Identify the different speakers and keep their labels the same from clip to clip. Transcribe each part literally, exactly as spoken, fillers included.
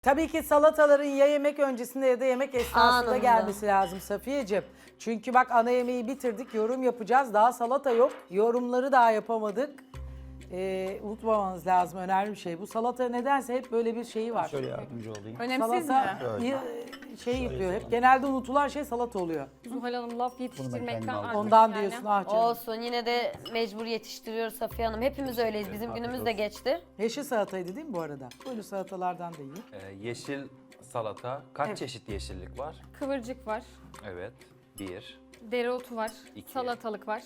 Speaker 1: Tabii ki salataların ya yemek öncesinde ya da yemek esnasında
Speaker 2: Anında.
Speaker 1: gelmesi lazım Safiyeciğim. Çünkü bak ana yemeği bitirdik, yorum yapacağız. Daha salata yok, yorumları daha yapamadık. Ee, unutmamanız lazım, önemli bir şey. Bu salata nedense hep böyle bir şeyi var.
Speaker 3: Şöyle yardımcı olayım.
Speaker 4: Önemsiz
Speaker 1: Salata
Speaker 4: mi?
Speaker 1: y- şey yapıyor, hep genelde unutulan şey salata oluyor.
Speaker 5: Zuhal Hanım laf yetiştirmekten
Speaker 3: kendim aldım.
Speaker 5: artık
Speaker 1: Ondan
Speaker 5: yani.
Speaker 1: diyorsun ah canım.
Speaker 2: Olsun yine de mecbur yetiştiriyoruz Safiye Hanım. Hepimiz öyleyiz. Bizim günümüz de geçti.
Speaker 1: Yeşil salataydı değil mi bu arada? Böyle salatalardan da yiyin.
Speaker 6: Ee, yeşil salata. Kaç çeşit yeşillik var?
Speaker 5: Kıvırcık var,
Speaker 6: Evet. Bir,
Speaker 5: dereotu var,
Speaker 6: İki.
Speaker 5: salatalık var,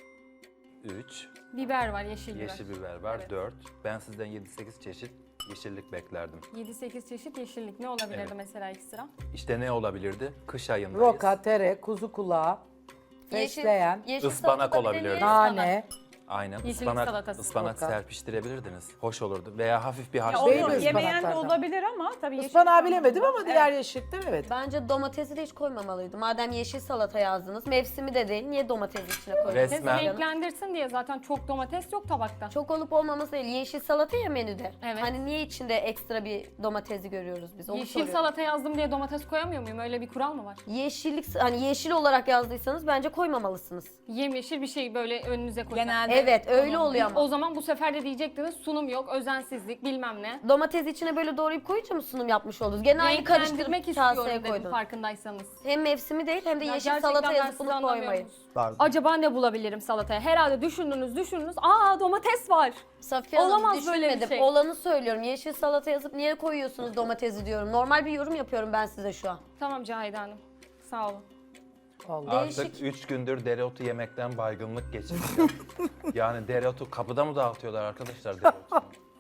Speaker 6: üç,
Speaker 5: biber var, yeşil biber.
Speaker 6: yeşil biber var.
Speaker 5: Evet.
Speaker 6: Dört. Ben sizden yedi sekiz çeşit yeşillik beklerdim.
Speaker 5: yedi sekiz çeşit yeşillik ne olabilirdi
Speaker 6: Evet.
Speaker 5: mesela ekstra?
Speaker 6: İşte ne olabilirdi? Kış ayındayız.
Speaker 1: Roka, tere, kuzu kulağı, fesleğen,
Speaker 2: yeşil
Speaker 6: Ispanak
Speaker 2: salata bir de
Speaker 6: olabilir.
Speaker 2: niye
Speaker 1: nane.
Speaker 6: Aynen.
Speaker 5: Yeşillik
Speaker 6: Ispanak,
Speaker 5: salatası.
Speaker 6: ıspanak
Speaker 1: Roka.
Speaker 6: serpiştirebilirdiniz. Hoş olurdu. Veya hafif bir
Speaker 4: Ya
Speaker 6: haşlı.
Speaker 1: Değil mi
Speaker 4: onu yemeyen de
Speaker 1: ıspanaklardan?
Speaker 4: olabilir ama tabii yeşil
Speaker 1: Ispanağı
Speaker 4: salata-
Speaker 1: bilemedim ama
Speaker 4: Evet.
Speaker 1: diğer yeşillikten evet.
Speaker 2: Bence domatesi de hiç koymamalıydı. Madem yeşil salata yazdınız, mevsimi de değil. Niye domatesi içine koydunuz?
Speaker 6: Resmen.
Speaker 5: Renklendirsin diye zaten çok domates yok tabakta.
Speaker 2: Çok olup olmaması değil. Yeşil salata ya menüde.
Speaker 5: Evet.
Speaker 2: Hani niye içinde ekstra bir domatesi görüyoruz biz? Onu
Speaker 5: Yeşil
Speaker 2: soruyorum.
Speaker 5: salata yazdım diye domates koyamıyor muyum? Öyle bir kural mı var?
Speaker 2: Yeşillik, hani yeşil olarak yazdıysanız bence koymamalısınız.
Speaker 5: Yemyeşil bir şey böyle önünüze koyacak.
Speaker 4: Genelde
Speaker 2: Evet, öyle oluyor ama.
Speaker 5: O zaman bu sefer de diyecektiniz sunum yok, özensizlik bilmem ne.
Speaker 2: Domatesi içine böyle doğrayıp koyunca mı sunum yapmış oldunuz? Gene aynı karıştırıp
Speaker 5: Renklendirmek
Speaker 2: kaseye
Speaker 5: istiyorum dedim
Speaker 2: koydunuz.
Speaker 5: farkındaysanız.
Speaker 2: Hem mevsimi değil hem de
Speaker 5: Ya
Speaker 2: yeşil
Speaker 5: gerçekten
Speaker 2: salata
Speaker 5: ben
Speaker 2: yazıp
Speaker 5: sizi
Speaker 2: bunu
Speaker 5: anlamıyorum.
Speaker 2: koymayın.
Speaker 3: Pardon.
Speaker 5: Acaba ne bulabilirim salataya? Herhalde düşündünüz düşündünüz. Aa domates var.
Speaker 2: Safiye Hanım
Speaker 5: Olamaz böyle bir
Speaker 2: düşünmedim.
Speaker 5: şey.
Speaker 2: Olanı söylüyorum. Yeşil salata yazıp niye koyuyorsunuz domatesi diyorum. Normal bir yorum yapıyorum ben size şu an.
Speaker 5: Tamam Cahide Hanım. Sağ olun.
Speaker 1: Vallahi.
Speaker 6: Artık
Speaker 2: Değişik.
Speaker 6: üç gündür dereotu yemekten baygınlık geçirdim. Yani dereotu kapıda mı dağıtıyorlar arkadaşlar dereotunu?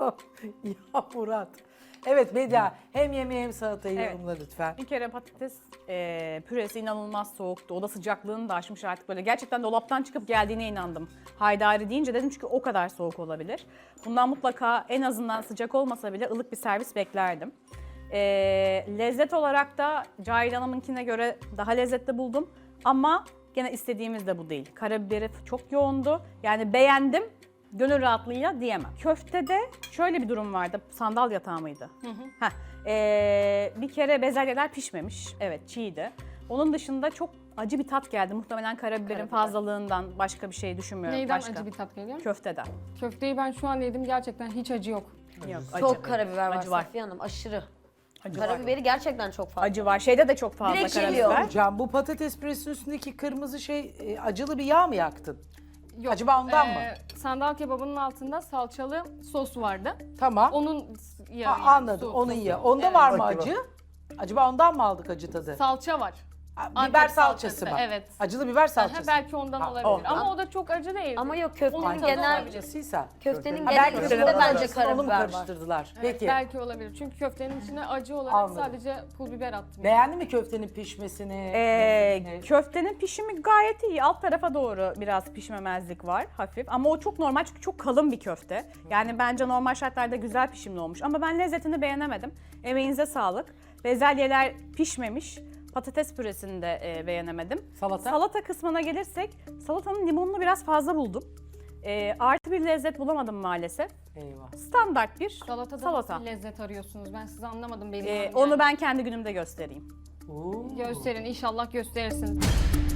Speaker 1: Ya Murat. Evet Medya, hem yemeği hem salatayı
Speaker 4: Evet.
Speaker 1: yorumla lütfen.
Speaker 4: bir kere patates e, püresi inanılmaz soğuktu. Oda sıcaklığını da aşmış artık böyle. Gerçekten dolaptan çıkıp geldiğine inandım. Haydari deyince dedim çünkü o kadar soğuk olabilir. Bundan mutlaka en azından sıcak olmasa bile ılık bir servis beklerdim. E, lezzet olarak da Cahil Hanım'ınkine göre daha lezzetli buldum. Ama gene istediğimiz de bu değil. Karabiberi çok yoğundu. Yani beğendim. Gönül rahatlığıyla diyemem. Köftede şöyle bir durum vardı. Sandal yatağı mıydı? Heh, ee, bir kere bezelyeler pişmemiş. Evet, çiğdi. Onun dışında çok acı bir tat geldi. Muhtemelen karabiberin
Speaker 2: Karabiber.
Speaker 4: fazlalığından başka bir şey düşünmüyorum.
Speaker 5: Neyden
Speaker 4: başka.
Speaker 5: acı bir tat geliyor?
Speaker 4: Köfteden.
Speaker 5: Köfteyi ben şu an yedim gerçekten hiç acı yok.
Speaker 4: Yok,
Speaker 2: Çok
Speaker 4: acı.
Speaker 2: karabiber var,
Speaker 4: Acı var.
Speaker 2: Safiye Hanım. Aşırı.
Speaker 4: Acı var.
Speaker 2: Karabiberi gerçekten çok fazla.
Speaker 4: Acı var. Şeyde de çok fazla
Speaker 2: Direkt
Speaker 4: karabiber.
Speaker 2: geliyor.
Speaker 1: Hocam bu patates püresinin üstündeki kırmızı şey e, acılı bir yağ mı yaktın?
Speaker 5: Yok.
Speaker 1: Acaba ondan mı?
Speaker 5: Ee, Sandal kebabının altında salçalı sos vardı.
Speaker 1: Tamam.
Speaker 5: Onun yağı.
Speaker 1: Ha, anladım,
Speaker 5: sos-
Speaker 1: onun
Speaker 5: sosu.
Speaker 1: yağı. Onda
Speaker 5: Evet.
Speaker 1: var mı acı? Acaba ondan mı aldık acı tadı?
Speaker 5: Salça var.
Speaker 1: Ha,
Speaker 5: Antep
Speaker 1: biber salçası
Speaker 5: salçası,
Speaker 1: mı?
Speaker 5: evet.
Speaker 1: Acılı biber
Speaker 5: Aha,
Speaker 1: salçası.
Speaker 5: belki ondan
Speaker 1: Ha,
Speaker 5: olabilir.
Speaker 4: o.
Speaker 5: Ama o da çok acı değil.
Speaker 2: Ama yok köftenin
Speaker 5: Onun tadı
Speaker 2: genel
Speaker 5: olabilir.
Speaker 1: Acısıysa.
Speaker 2: köftenin
Speaker 1: Ha,
Speaker 2: genel
Speaker 1: belki de
Speaker 2: köftede
Speaker 1: biber
Speaker 2: bence
Speaker 1: salçasını onu mu
Speaker 2: karabiber var.
Speaker 1: karıştırdılar?
Speaker 5: Evet,
Speaker 1: Peki.
Speaker 5: belki olabilir. Çünkü köftenin içine acı olarak
Speaker 1: Anladım.
Speaker 5: sadece pul biber attım.
Speaker 1: Beğendin mi köftenin pişmesini?
Speaker 4: Ee,
Speaker 1: lezzetini?
Speaker 4: köftenin pişimi gayet iyi. Alt tarafa doğru biraz pişmemezlik var hafif. Ama o çok normal çünkü çok kalın bir köfte. Yani bence normal şartlarda güzel pişimli olmuş. Ama ben lezzetini beğenemedim. Emeğinize sağlık. Bezelyeler pişmemiş. Patates püresini de e, beğenemedim.
Speaker 1: Salata?
Speaker 4: Salata kısmına gelirsek salatanın limonunu biraz fazla buldum. E, artı bir lezzet bulamadım maalesef.
Speaker 1: Eyvah.
Speaker 4: Standart bir
Speaker 5: Salatada
Speaker 4: salata.
Speaker 5: nasıl lezzet arıyorsunuz? Ben sizi anlamadım benim.
Speaker 4: E,
Speaker 5: hanım
Speaker 4: onu
Speaker 5: yani.
Speaker 4: ben kendi günümde göstereyim.
Speaker 1: Oo.
Speaker 5: Gösterin inşallah gösterirsiniz.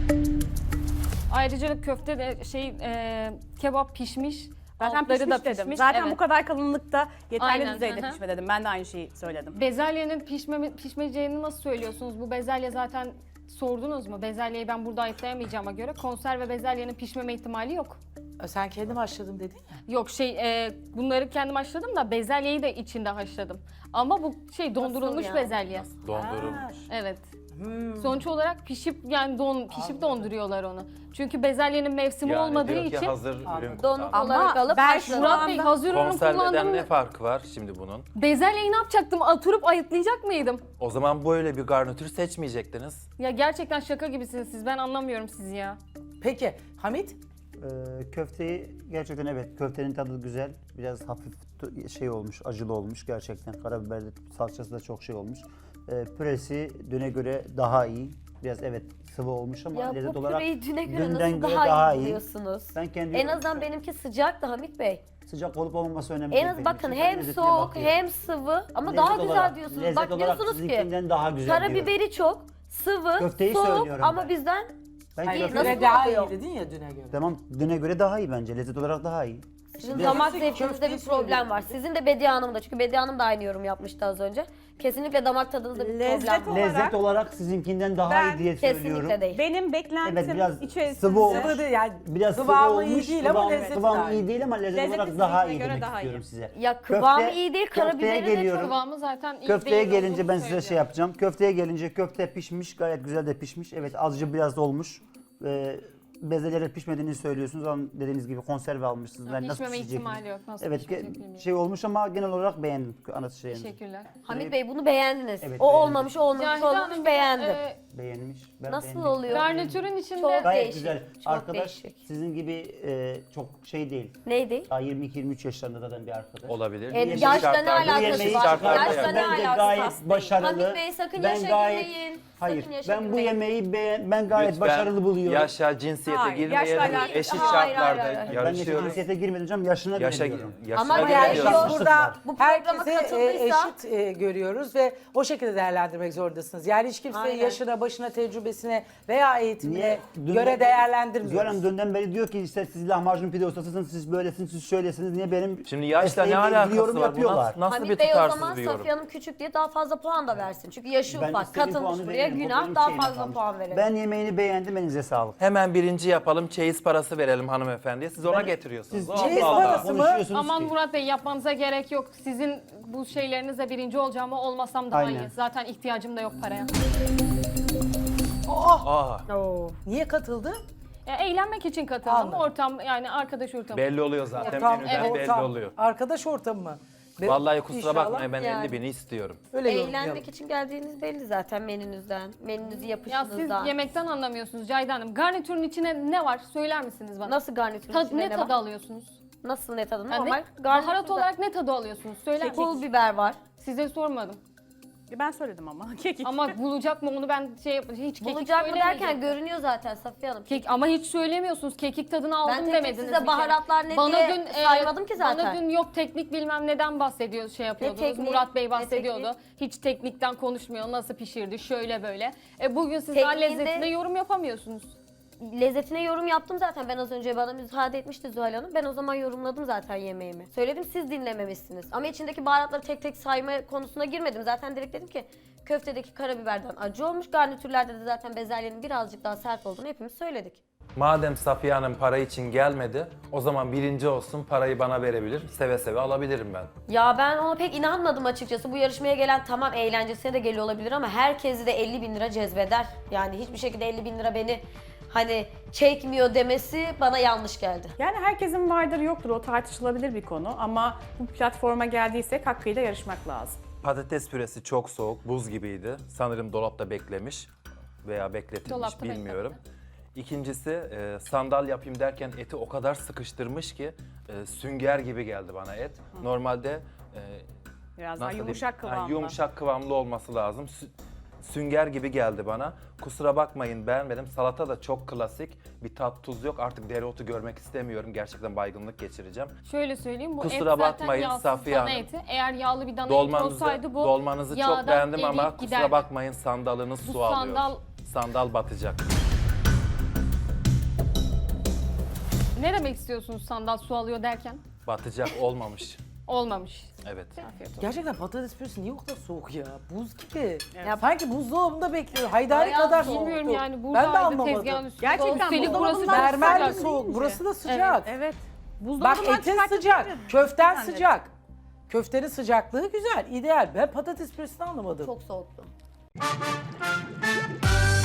Speaker 5: Ayrıca köfte de şey e, kebap pişmiş.
Speaker 4: Zaten
Speaker 5: altları
Speaker 4: pişmiş
Speaker 5: da
Speaker 4: dedim.
Speaker 5: pişmiş.
Speaker 4: Zaten
Speaker 5: evet.
Speaker 4: bu kadar kalınlıkta yeterli
Speaker 5: Aynen,
Speaker 4: düzeyde
Speaker 5: hı hı.
Speaker 4: pişme dedim. Ben de aynı şeyi söyledim.
Speaker 5: Bezelyenin pişme, pişmeyeceğini nasıl söylüyorsunuz? Bu bezelye zaten sordunuz mu? Bezelyeyi ben burada ayıklayamayacağıma göre konserve bezelyenin pişmeme ihtimali yok.
Speaker 1: Sen kendim haşladım dedin ya.
Speaker 5: Yok şey e, bunları kendim haşladım da bezelyeyi de içinde haşladım. Ama bu şey dondurulmuş
Speaker 2: yani?
Speaker 5: bezelye.
Speaker 6: Dondurulmuş.
Speaker 5: Evet.
Speaker 1: Hmm.
Speaker 5: Sonuç olarak pişip yani don pişip donduruyorlar onu. Çünkü bezelyenin mevsimi
Speaker 6: Yani
Speaker 5: olmadığı
Speaker 6: diyor ki
Speaker 5: için
Speaker 6: hazır ürün
Speaker 2: Donuk
Speaker 4: Ama
Speaker 2: olarak alıp
Speaker 4: ben
Speaker 2: haşlanıyor.
Speaker 4: şu
Speaker 5: Murat Bey hazır ürün
Speaker 6: Konserveden
Speaker 5: kullandım.
Speaker 6: ne farkı var şimdi bunun?
Speaker 5: Bezelyeyi ne yapacaktım? Oturup ayıtlayacak mıydım?
Speaker 6: O zaman böyle bir garnitür seçmeyecektiniz.
Speaker 5: Ya gerçekten şaka gibisiniz siz. Ben anlamıyorum sizi ya.
Speaker 1: Peki Hamit?
Speaker 3: Ee, köfteyi gerçekten evet köftenin tadı güzel. Biraz hafif t- şey olmuş, acılı olmuş gerçekten. Karabiber de salçası da çok şey olmuş. Ee, püresi düne göre daha iyi. Biraz evet sıvı olmuş ama
Speaker 2: Ya
Speaker 3: lezzet
Speaker 2: bu
Speaker 3: olarak
Speaker 2: püreyi düne göre
Speaker 3: dünden
Speaker 2: nasıl
Speaker 3: göre
Speaker 2: daha,
Speaker 3: daha
Speaker 2: iyi
Speaker 3: iyi.
Speaker 2: diyorsunuz?
Speaker 3: Ben kendi
Speaker 2: En azından benimki sıcaktı Hamit Bey.
Speaker 3: Sıcak olup olmaması önemli
Speaker 2: En
Speaker 3: değil
Speaker 2: az
Speaker 3: benim
Speaker 2: bakın
Speaker 3: için. Ben
Speaker 2: hem
Speaker 3: lezzetine
Speaker 2: soğuk
Speaker 3: bakıyorum.
Speaker 2: hem sıvı ama
Speaker 3: Lezzet
Speaker 2: daha güzel
Speaker 3: olarak-
Speaker 2: diyorsunuz.
Speaker 3: lezzet
Speaker 2: Bak
Speaker 3: olarak
Speaker 2: diyorsunuz ki
Speaker 3: sizinkinden daha güzel diyorum.
Speaker 2: karabiberi çok, sıvı,
Speaker 3: Köfteyi
Speaker 2: soğuk
Speaker 3: söylüyorum
Speaker 2: ama
Speaker 3: ben.
Speaker 2: bizden
Speaker 3: Ben
Speaker 1: Hayır,
Speaker 2: nasıl
Speaker 1: göre daha iyi
Speaker 2: oluyor?
Speaker 1: dedin ya düne göre.
Speaker 3: Tamam, düne göre daha iyi bence. Lezzet olarak daha iyi.
Speaker 2: sizin
Speaker 1: Biraz
Speaker 2: damak
Speaker 1: da
Speaker 2: zevkinizde
Speaker 1: köfteyi
Speaker 2: bir problem
Speaker 1: söylüyorum.
Speaker 2: var. Sizin de Bediye Hanım'da çünkü Bediye Hanım da aynı yorum yapmıştı az önce. Kesinlikle damak tadınızda bir
Speaker 4: Lezzet
Speaker 2: problem var.
Speaker 4: olarak-
Speaker 3: Lezzet olarak sizinkinden daha
Speaker 4: Ben
Speaker 3: iyi diye söylüyorum.
Speaker 2: Kesinlikle değil.
Speaker 4: Benim beklentim
Speaker 3: Evet, biraz
Speaker 4: içerisinde
Speaker 3: sıvı olmuş.
Speaker 1: Sıvı değil yani
Speaker 3: Biraz sıvı
Speaker 1: kıvamı iyi
Speaker 3: olmuş,
Speaker 1: değil ama
Speaker 3: kıvam,
Speaker 1: lezzeti
Speaker 3: kıvam
Speaker 1: daha iyi.
Speaker 3: iyi değil ama lezzet,
Speaker 4: Lezzeti
Speaker 3: olarak daha iyi
Speaker 4: sizinkine göre
Speaker 3: demek
Speaker 4: daha iyi.
Speaker 3: istiyorum size.
Speaker 2: Ya kıvamı
Speaker 3: Köfte-
Speaker 2: iyi değil,
Speaker 3: köfteye
Speaker 2: karabiberi de
Speaker 3: geliyorum.
Speaker 2: çok.
Speaker 5: Kıvamı zaten iyi
Speaker 3: Köfteye
Speaker 5: değil
Speaker 3: gelince
Speaker 5: olduğunu
Speaker 3: ben size şey
Speaker 5: söylüyor.
Speaker 3: yapacağım. Köfteye gelince köfte pişmiş, gayet güzel de pişmiş. Evet, azıcık biraz da olmuş. Ee, bezeleri pişmediğini söylüyorsunuz ama dediğiniz gibi konserve almışsınız. Ben nasıl
Speaker 5: Pişmeme
Speaker 3: pişecek?
Speaker 5: ihtimali yok. Nasıl
Speaker 3: Evet,
Speaker 5: pişmeyecek
Speaker 3: ge-
Speaker 5: bilmiyorum.
Speaker 3: şey olmuş ama genel olarak beğendim anası şeyini.
Speaker 5: Teşekkürler.
Speaker 2: Hamit Bey bunu beğendiniz.
Speaker 3: Evet,
Speaker 2: o
Speaker 3: beğendim.
Speaker 2: olmamış, o olmamış,
Speaker 5: Cahide
Speaker 2: olmamış
Speaker 5: Hanım,
Speaker 2: beğendim.
Speaker 5: e,
Speaker 3: Beğenmiş. Ben
Speaker 2: Nasıl
Speaker 3: beğendim.
Speaker 2: oluyor?
Speaker 5: garnitürün içinde
Speaker 2: Çok
Speaker 3: Gayet
Speaker 2: değişik.
Speaker 3: güzel.
Speaker 2: Çok
Speaker 3: Arkadaş
Speaker 2: değişik.
Speaker 3: sizin gibi e, çok şey değil.
Speaker 2: Neydi?
Speaker 3: Daha yirmi iki yirmi üç yaşlarında zaten bir arkadaş.
Speaker 6: Olabilir.
Speaker 2: E,
Speaker 6: Yeşil
Speaker 2: yaşla ne
Speaker 6: şartlarda-
Speaker 2: alakası
Speaker 6: yeşil
Speaker 2: var?
Speaker 6: şartlarda
Speaker 2: Yaşla
Speaker 6: yapar.
Speaker 2: ne
Speaker 3: Bence
Speaker 2: alakası
Speaker 3: gayet
Speaker 2: var?
Speaker 3: başarılı.
Speaker 2: Hamit Bey sakın
Speaker 3: Ben
Speaker 2: yaşa
Speaker 3: gayet-
Speaker 2: girmeyin.
Speaker 3: Hayır,
Speaker 2: Sakın yaşa
Speaker 3: ben bu
Speaker 2: girmeyin.
Speaker 3: yemeği beğen, ben gayet
Speaker 6: Lütfen
Speaker 3: başarılı buluyorum.
Speaker 6: yaşa, cinsiyete
Speaker 4: Hayır,
Speaker 6: girmeyelim.
Speaker 4: yaşla alakası-
Speaker 6: Eşit
Speaker 2: Hayır, hayır,
Speaker 6: şartlarda
Speaker 2: hayır, hayır.
Speaker 3: Ben yaşa
Speaker 6: yarışıyoruz.
Speaker 3: cinsiyete girmedim hocam, yaşına
Speaker 6: Yaşa,
Speaker 3: göre diyorum.
Speaker 6: yaşına
Speaker 2: Ama
Speaker 6: göre
Speaker 2: yani
Speaker 1: Yani
Speaker 2: şu-
Speaker 1: biz
Speaker 6: diyoruz.
Speaker 1: burada
Speaker 2: Bu programa
Speaker 1: herkese e,
Speaker 2: katıldıysa-
Speaker 1: eşit e, görüyoruz ve o şekilde değerlendirmek zorundasınız. Yani hiç kimseyi
Speaker 2: Aynen.
Speaker 1: yaşına, başına, tecrübesine veya eğitimine
Speaker 3: Niye? Dünden
Speaker 1: göre
Speaker 3: beri-
Speaker 1: değerlendirmiyoruz.
Speaker 3: Zuhal Hanım dünden beri diyor ki işte siz lahmacun pide ustasısınız, siz böylesiniz, siz şöylesiniz. Niye benim
Speaker 6: Şimdi yaşla ne
Speaker 3: mesleğimle ilgili
Speaker 6: alakası
Speaker 3: yorum
Speaker 6: var? Bu
Speaker 3: yapıyorlar?
Speaker 6: nasıl, nasıl bir
Speaker 2: Hamit Bey o
Speaker 6: tutarsız
Speaker 2: zaman
Speaker 6: bir yorum?
Speaker 2: Safiye Hanım küçük diye daha fazla puan da versin. Çünkü yaşı
Speaker 3: Ben
Speaker 2: ufak.
Speaker 3: istediğim
Speaker 2: Katılmış
Speaker 3: puanı
Speaker 2: buraya
Speaker 3: veririm. O
Speaker 2: günah
Speaker 3: benim
Speaker 2: daha
Speaker 3: şeyime
Speaker 2: fazla
Speaker 3: kalmış.
Speaker 2: puan verelim.
Speaker 3: Ben yemeğini beğendim, elinize sağlık.
Speaker 6: Hemen birinci yapalım, çeyiz parası verelim hanımefendiye. Siz ona getiriyorsunuz.
Speaker 3: Siz
Speaker 6: Allah
Speaker 1: çeyiz
Speaker 6: Allah.
Speaker 1: parası mı?
Speaker 3: konuşuyorsunuz
Speaker 5: Aman
Speaker 3: ki.
Speaker 5: Murat Bey yapmanıza gerek yok. Sizin bu şeylerinizle birinci olacağıma olmasam daha
Speaker 3: Aynen.
Speaker 5: iyi. Zaten ihtiyacım da yok paraya.
Speaker 6: Aa,
Speaker 1: Niye katıldı?
Speaker 5: Ya, eğlenmek için katıldım.
Speaker 1: Anladım.
Speaker 5: Ortam yani arkadaş ortamı.
Speaker 6: belli oluyor zaten.
Speaker 1: Ortam,
Speaker 6: Menüden
Speaker 1: evet,
Speaker 6: belli
Speaker 1: ortam.
Speaker 6: oluyor.
Speaker 1: Arkadaş ortamı mı? Be-
Speaker 6: Vallahi kusura
Speaker 1: İnşallah
Speaker 6: bakmayın ben
Speaker 2: yani.
Speaker 6: elli bini istiyorum.
Speaker 1: Öyle yorumlayalım.
Speaker 2: Eğlenmek için geldiğiniz belli zaten menünüzden. Menünüzü
Speaker 5: Ya siz
Speaker 2: yapışınızdan.
Speaker 5: yemekten anlamıyorsunuz Cahide Hanım. Garnitürün içine ne var? Söyler misiniz bana?
Speaker 2: Nasıl garnitürün
Speaker 5: Tad-
Speaker 2: içinde
Speaker 5: ne
Speaker 2: ne
Speaker 5: tadı
Speaker 2: var?
Speaker 5: alıyorsunuz?
Speaker 2: Nasıl ne tadı?
Speaker 5: Yani
Speaker 2: Normal.
Speaker 5: ne- baharat
Speaker 2: garnitürde
Speaker 5: olarak ne tadı alıyorsunuz? Söyler
Speaker 2: pul
Speaker 5: misiniz?
Speaker 2: biber var.
Speaker 5: Size sormadım.
Speaker 4: Ben söyledim ama. Kekik.
Speaker 5: Ama bulacak mı onu ben şey yap- hiç kekik
Speaker 2: Bulacak mı derken
Speaker 5: söylemeyecektim.
Speaker 2: görünüyor zaten Safiye Hanım.
Speaker 5: Kek, ama hiç söylemiyorsunuz. Kekik tadını aldım
Speaker 2: Ben tek tek
Speaker 5: demediniz.
Speaker 2: size
Speaker 5: bir kere.
Speaker 2: baharatlar ne diye saymadım ki zaten.
Speaker 5: Bana dün yok teknik bilmem neden bahsediyor şey yapıyordunuz.
Speaker 2: tekniği?
Speaker 5: Murat Bey
Speaker 2: Ne
Speaker 5: bahsediyordu.
Speaker 2: tekniği?
Speaker 5: Hiç teknikten konuşmuyor. Nasıl pişirdi şöyle böyle. E bugün siz daha
Speaker 2: Tekniğinde-
Speaker 5: lezzetine yorum yapamıyorsunuz.
Speaker 2: Lezzetine yorum yaptım zaten. Ben az önce bana müsaade etmişti Zuhal Hanım. Ben o zaman yorumladım zaten yemeğimi. Söyledim siz dinlememişsiniz. Ama içindeki baharatları tek tek sayma konusuna girmedim. Zaten direkt dedim ki köftedeki karabiberden acı olmuş. Garnitürlerde de zaten bezelyenin birazcık daha sert olduğunu hepimiz söyledik.
Speaker 6: Madem Safiye Hanım para için gelmedi, o zaman birinci olsun, parayı bana verebilir. Seve seve alabilirim ben.
Speaker 2: Ya ben ona pek inanmadım açıkçası. Bu yarışmaya gelen tamam eğlencesine de geliyor olabilir ama herkesi de elli bin lira cezbeder. Yani hiçbir şekilde elli bin lira beni hani çekmiyor demesi bana yanlış geldi.
Speaker 4: Yani herkesin vardır yoktur o tartışılabilir bir konu ama bu platforma geldiysek hakkıyla yarışmak lazım.
Speaker 6: Patates püresi çok soğuk, buz gibiydi. Sanırım dolapta beklemiş veya bekletilmiş
Speaker 5: Dolapta
Speaker 6: bilmiyorum. İkincisi e, sandal yapayım derken eti o kadar sıkıştırmış ki e, sünger gibi geldi bana et. Normalde e,
Speaker 4: Biraz daha
Speaker 6: nasıl
Speaker 4: yumuşak
Speaker 6: diyeyim? Ha,
Speaker 4: kıvamlı.
Speaker 6: yumuşak kıvamlı olması lazım. Sü- sünger gibi geldi bana. Kusura bakmayın beğenmedim. Salata da çok klasik. Bir tat tuz yok. Artık dereotu görmek istemiyorum. Gerçekten baygınlık geçireceğim.
Speaker 5: Şöyle söyleyeyim bu
Speaker 6: Kusura
Speaker 5: et zaten
Speaker 6: bakmayın
Speaker 5: yağsız
Speaker 6: Safiye
Speaker 5: dana
Speaker 6: Hanım.
Speaker 5: eti. Eğer yağlı bir dana eti
Speaker 6: Dolmanızı,
Speaker 5: olsaydı bu
Speaker 6: dolmanızı çok
Speaker 5: yağdan
Speaker 6: beğendim ama
Speaker 5: eriyip
Speaker 6: kusura
Speaker 5: giderdi.
Speaker 6: bakmayın sandalınız
Speaker 5: Bu
Speaker 6: su alıyor.
Speaker 5: sandal-
Speaker 6: Sandal batacak.
Speaker 5: Ne demek istiyorsunuz sandal su alıyor derken?
Speaker 6: Batacak olmamış.
Speaker 5: Olmamış.
Speaker 6: Evet.
Speaker 1: Gerçekten patates püresi niye o kadar soğuk ya? Buz gibi.
Speaker 2: Ya-
Speaker 1: Sanki buzdolabında bekliyor. Haydari
Speaker 2: Bayağı
Speaker 1: kadar
Speaker 2: soğuk.
Speaker 1: soğuk.
Speaker 5: Bilmiyorum yani
Speaker 1: Ben de
Speaker 5: buradaydı
Speaker 1: anlamadım.
Speaker 5: tezgahın üstünde.
Speaker 4: Gerçekten
Speaker 5: Üstelik burası
Speaker 4: buzdolabından
Speaker 5: çok
Speaker 1: Mermer de
Speaker 5: sıcak.
Speaker 1: soğuk. Burası da sıcak.
Speaker 4: Evet.
Speaker 1: Bak
Speaker 4: Buzdolabından
Speaker 1: etin
Speaker 4: çıkartıp
Speaker 1: sıcak,
Speaker 4: getirin.
Speaker 1: köften
Speaker 4: Zannederim.
Speaker 1: sıcak. Köftenin sıcaklığı güzel, ideal. Ben patates püresini anlamadım.
Speaker 2: Çok soğuktu.